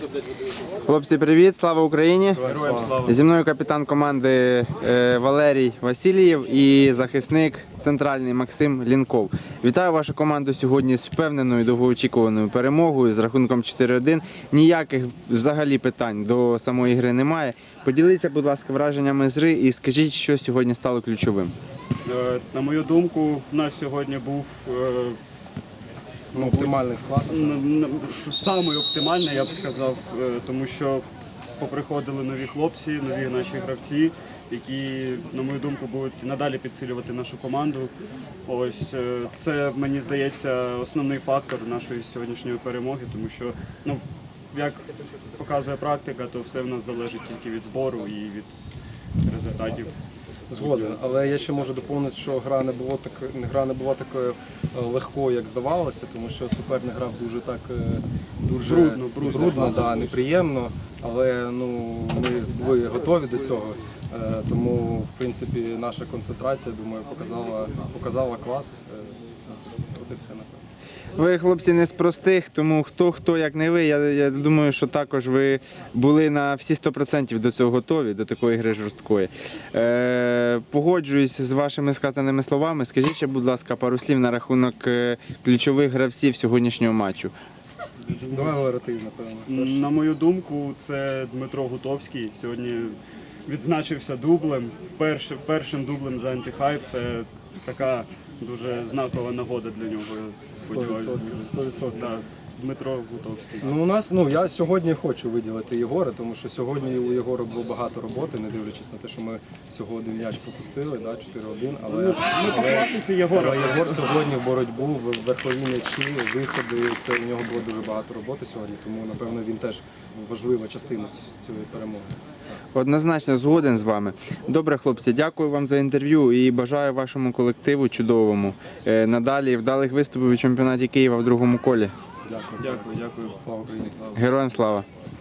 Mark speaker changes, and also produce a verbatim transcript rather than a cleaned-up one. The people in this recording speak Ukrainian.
Speaker 1: Хлопці, привіт, слава Україні!
Speaker 2: Героям слава!
Speaker 1: Зі мною капітан команди е, Валерій Васильєв і захисник центральний Максим Лінков. Вітаю вашу команду сьогодні з впевненою довгоочікуваною перемогою з рахунком чотири один. Ніяких взагалі питань до самої гри немає. Поділіться, будь ласка, враженнями з гри і скажіть, що сьогодні стало ключовим.
Speaker 2: Е, На мою думку, у нас сьогодні був е,
Speaker 3: Ну, оптимальний склад.
Speaker 2: н- н- самий оптимальний, я б сказав, е, тому що поприходили нові хлопці, нові наші гравці, які, на мою думку, будуть надалі підсилювати нашу команду. Ось е, це, мені здається, основний фактор нашої сьогоднішньої перемоги, тому що, ну, як показує практика, то все в нас залежить тільки від збору і від результатів.
Speaker 3: Згоден, але я ще можу доповнити, що гра не було так, гра не була такою е, легкою, як здавалося, тому що суперник грав дуже так е, дуже
Speaker 2: Брудно, брудно,
Speaker 3: брудно, да, неприємно, але ну ми були готові до цього. Е, Тому в принципі наша концентрація, думаю, показала показала клас. Е, От і все, напевно.
Speaker 1: Ви, хлопці, не з простих, тому хто, хто як не ви, я, я думаю, що також ви були на всі сто відсотків до цього готові, до такої гри жорсткої. Е, погоджуюсь з вашими сказаними словами. Скажіть ще, будь ласка, пару слів на рахунок е, ключових гравців сьогоднішнього матчу.
Speaker 3: Давай Валера, ти, напевно. перший.
Speaker 2: На мою думку, це Дмитро Гутовський. Сьогодні відзначився дублем. Вперше, впершим дублем за антихайп. Це така дуже знакова нагода для нього. Я
Speaker 3: сто
Speaker 2: сподіваюся.
Speaker 3: відсотків. сто відсотків.
Speaker 2: Так, Дмитро Гутовський.
Speaker 3: Ну, у нас, ну, я сьогодні хочу виділити Єгора, тому що сьогодні у Єгора було багато роботи, не дивлячись на те, що ми всього один м'яч пропустили, да, чотири один, але,
Speaker 2: Ми по
Speaker 3: але,
Speaker 2: класиці Єгора.
Speaker 3: але Єгор сьогодні в боротьбу, в верхові м'ячі, виходи, це у нього було дуже багато роботи сьогодні, тому, напевно, він теж важлива частина цієї перемоги.
Speaker 1: Однозначно згоден з вами. Добре, хлопці, дякую вам за інтерв'ю і бажаю вашому колективу чудовому. Е, надалі вдалих виступів у чемпіонаті Києва в другому колі.
Speaker 3: Дякую.
Speaker 2: Дякую, дякую.
Speaker 3: Слава Україні! Слава!
Speaker 1: Героям слава!